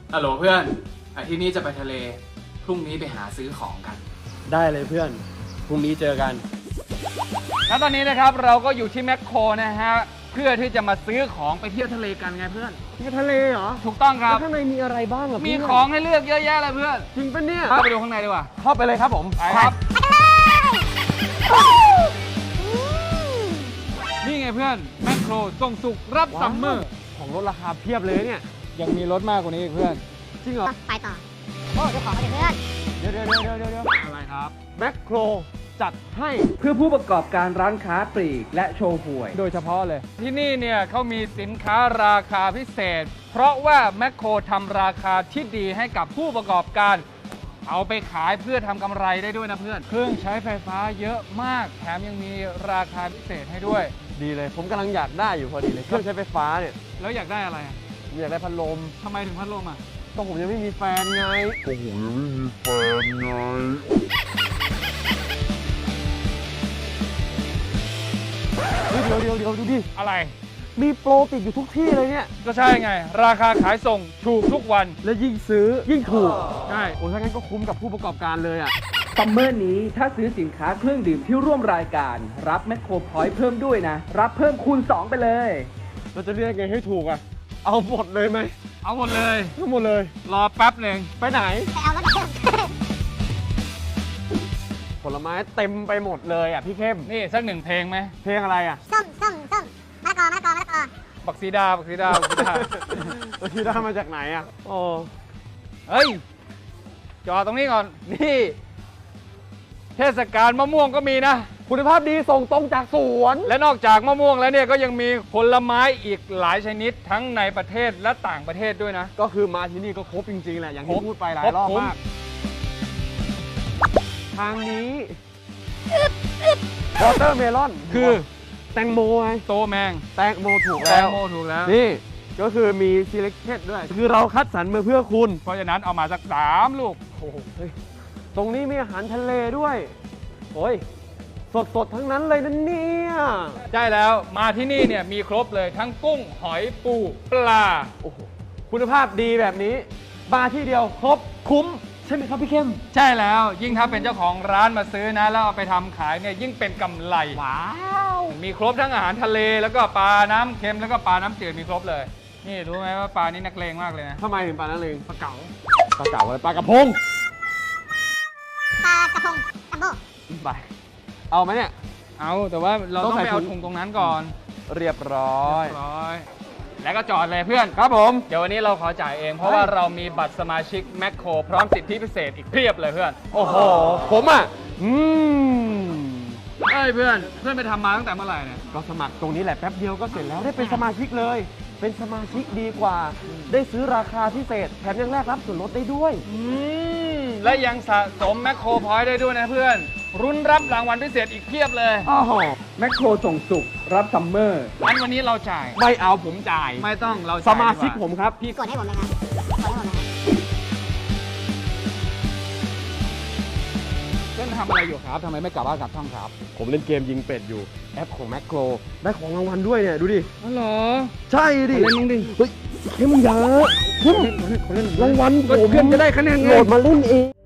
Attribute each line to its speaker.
Speaker 1: ฮัลโหลเพื่อนอาทิตย์นี้จะไปทะเลพรุ่งนี้ไปหาซื้อของกัน
Speaker 2: ได้เลยเพื่อนพรุ่งนี้เจอกัน
Speaker 3: แล้วตอนนี้นะครับเราก็อยู่ที่แมคโครนะฮะเพื่อที่จะมาซื้อของไปเที่ยวทะเลกันไงเพื่อน
Speaker 2: ที่ทะเลเหรอ
Speaker 3: ถูกต้องครับ
Speaker 2: แล้วข้างในมีอะไรบ้างอ่ะ
Speaker 3: มีของให้เลือกเยอะแยะเลยเพื่อน
Speaker 2: จริงปะเนี่ย
Speaker 3: เข้าไปดูข้างในดีกว่า
Speaker 2: เข้าไปเลยครับผม
Speaker 3: ไปครับ นี่ไงเพื่อนแมคโครส่งสุกรับซัมเมอร์
Speaker 2: ของลดราคาเพียบเลยเนี่ย
Speaker 3: ยังมีรถมากกว่านี้อีกเพื่อน
Speaker 2: จริงเหรอ
Speaker 4: ไปต่อ โอ้เจ้าของมาเพื่อน
Speaker 2: เดี๋ยว
Speaker 3: อะไรครับ
Speaker 2: แมคโครจัดให้
Speaker 5: เพื่อผู้ประกอบการร้านค้าปลีกและโชว์หวย
Speaker 3: โดยเฉพาะเลย ที่นี่เนี่ยเขามีสินค้าราคาพิเศษ เพราะว่าแมคโครทำราคาที่ดีให้กับผู้ประกอบการ เอาไปขายเพื่อทำกำไรได้ด้วยนะเพื่อน เครื่องใช้ไฟฟ้าเยอะมาก แถมยังมีราคาพิเศษให้ด้วย
Speaker 2: ดีเลยผมกำลังอยากได้อยู่พอดีเลยเครื่องใช้ไฟฟ้าเนี่ย
Speaker 3: แล้วอยากได้อะไรอะ
Speaker 2: ผมอยากได้พัดลม
Speaker 3: ทำไมถึงพัดลมอ่ะ
Speaker 2: ก็ผมยังไม่มีแฟนไงเฮ้ยเดี๋ยวดูดิ
Speaker 3: อะไร
Speaker 2: มีโปรติดอยู่ทุกที่เลยเนี่ย
Speaker 3: ก็ใช่ไง ราคาขายส่งถูกทุกวัน
Speaker 2: และยิ่งซื้อยิ่งถูก
Speaker 3: ใช่
Speaker 2: โอ้ถ้างั้นก็คุ้มกับผู้ประกอบการเลยอ่ะ
Speaker 5: ซัมเมอร์นี้ถ้าซื้อสินค้าเครื่องดื่มที่ร่วมรายการ รับแมคโครพอยต์เพิ่มด้วยนะ รับเพิ่มคูณ 2 ไปเลย
Speaker 2: เราจะเรียกไงให้ถูกอ่ะ เอาหมดเลยไหม
Speaker 3: เอาหมดเลย
Speaker 2: เอาหมดเลย
Speaker 3: รอแป๊บหนึ่ง
Speaker 2: ไปไหน
Speaker 4: ไปเอารถเพิ่ม
Speaker 2: ผลไม้เต็มไปหมดเลยอ่ะพี่เข้ม
Speaker 3: นี่สักหนึ่งเพลงไหม
Speaker 2: เพลงอะไรอ่ะ
Speaker 4: ส้มมะละกอ
Speaker 3: บักซีดา บักซีดา บักซีดา
Speaker 2: ตัวที่ได้มาจากไหนอ่ะโอ้
Speaker 3: เฮ้ย จอดตรงนี้ก่อน นี่ เทศกาลมะม่วงก็มีนะ
Speaker 2: คุณภาพดีส่งตรงจากสวน
Speaker 3: และนอกจากมะม่วงแล้วเนี่ยก็ยังมีผลไม้อีกหลายชนิดทั้งในประเทศและต่างประเทศด้วยนะ
Speaker 2: ก็คือมาที่นี่ก็ครบจริงๆแหละ อย่าง
Speaker 3: คร
Speaker 2: ที่
Speaker 3: บ
Speaker 2: พูดไปหลา
Speaker 3: คร
Speaker 2: ย
Speaker 3: บ
Speaker 2: รอบ
Speaker 3: คุ้ม
Speaker 2: มาก ทางนี้วอเตอร์เมลอน
Speaker 3: คือ
Speaker 2: แตงโมไง
Speaker 3: โตแมง
Speaker 2: แตงโมถูก
Speaker 3: แต
Speaker 2: แล้
Speaker 3: ง
Speaker 2: ว
Speaker 3: โมถูกแล้ว
Speaker 2: นี่ก็คือมี selected ด้วย คือเราคัดสรรมาเพื่อคุณ
Speaker 3: เพราะฉะนั้นเอามาสัก3ลูก
Speaker 2: โอ้โหเฮ้ยตรงนี้มีอาหารทะเลด้วย โอ้ย สดๆ ทั้งนั้นเลยนะเนี่ย
Speaker 3: ใช่แล้วมาที่นี่เนี่ยมีครบเลยทั้งกุ้งหอยปูปลา
Speaker 2: โอ้โห คุณภาพดีแบบนี้ มาที่เดียวครบคุ้ม ใช่ไหมครับพี่เข้ม
Speaker 3: ใช่แล้วยิ่งถ้าเป็นเจ้าของร้านมาซื้อนะแล้วเอาไปทำขายเนี่ยยิ่งเป็นกำไร
Speaker 2: ว้าว
Speaker 3: มีครบทั้งอาหารทะเลแล้วก็ปลาน้ำเค็มแล้วก็ปลาน้ำจืดมีครบเลย นี่รู้ไหมว่าปลานี้นักเลงมากเลยนะ
Speaker 2: ทำไมถึงปลานั่นเอง
Speaker 3: ปลาเก๋า
Speaker 2: ปลาเก๋าอะไรปลากระพง
Speaker 4: ปลากระพงจัมโบ้
Speaker 2: ไป เอาไหมเนี่ย
Speaker 3: เอาแต่ว่าเรา
Speaker 2: ต้
Speaker 3: ต้
Speaker 2: อ
Speaker 3: อง ง
Speaker 2: ใส่
Speaker 3: ไปเอา
Speaker 2: ถุง
Speaker 3: ถุงตรงนั้นก่อน
Speaker 2: เรียบร้อย
Speaker 3: ร้อยแล้วก็จอดเลยเพื่อน
Speaker 2: ครับผม
Speaker 3: เดี๋ยววันนี้เราขอจ่ายเอง เพราะว่าเรามีบัตรสมาชิกแมคโครพร้อมสิทธิพิเศษอีกเพียบเลยเพื่อน
Speaker 2: โอ้โห ผมอ่ะ
Speaker 3: เอ้ยเพื่อนไปทำมาตั้งแต่เมื่อไหร่เนี่ย
Speaker 2: ก็สมัครตรงนี้แหละแป๊บเดียวก็เสร็จแล้วได้เป็นสมาชิกเลย เป็นสมาชิกดีกว่า ได้ซื้อราคาพิเศษ แถมยังแลกรับส่วนลดได้ด้วย
Speaker 3: และยังสะสมแมคโครพอยต์ได้ด้วยนะเพื่อน รุ้นรับรางวัลพิเศษอีกเพียบเลย
Speaker 2: อ้าว
Speaker 5: แมคโครส่งสุกรับซัมเมอร์
Speaker 3: งั้นวันนี้เราจ่าย
Speaker 2: ไม่เอาผมจ่าย
Speaker 3: ไม่ต้องเรา
Speaker 2: ส
Speaker 3: จ่าย
Speaker 2: มาชิก
Speaker 3: ดีว่
Speaker 2: ผมครับ
Speaker 4: กดให้ผมเลยครับกดให้ผมเลยครับ
Speaker 3: เพื่อนทำอะไรอยู่ครับทำไมไม่กลับบ้านกลับช่องครับ
Speaker 2: ผมเล่นเกมยิงเป็ดอยู่ แอปของแมคโคร ได้ของรางวัลด้วยเนี่ย ดูดิ
Speaker 3: อ๋อเหรอ
Speaker 2: ใช่ดิ
Speaker 3: เล่นมึงดิ
Speaker 2: เฮ้ยเข้มมึงอย่าเข้มรางวัลผม
Speaker 3: เพื่อนจะได้คะแนนไง
Speaker 2: โหลดมาเล่นเอง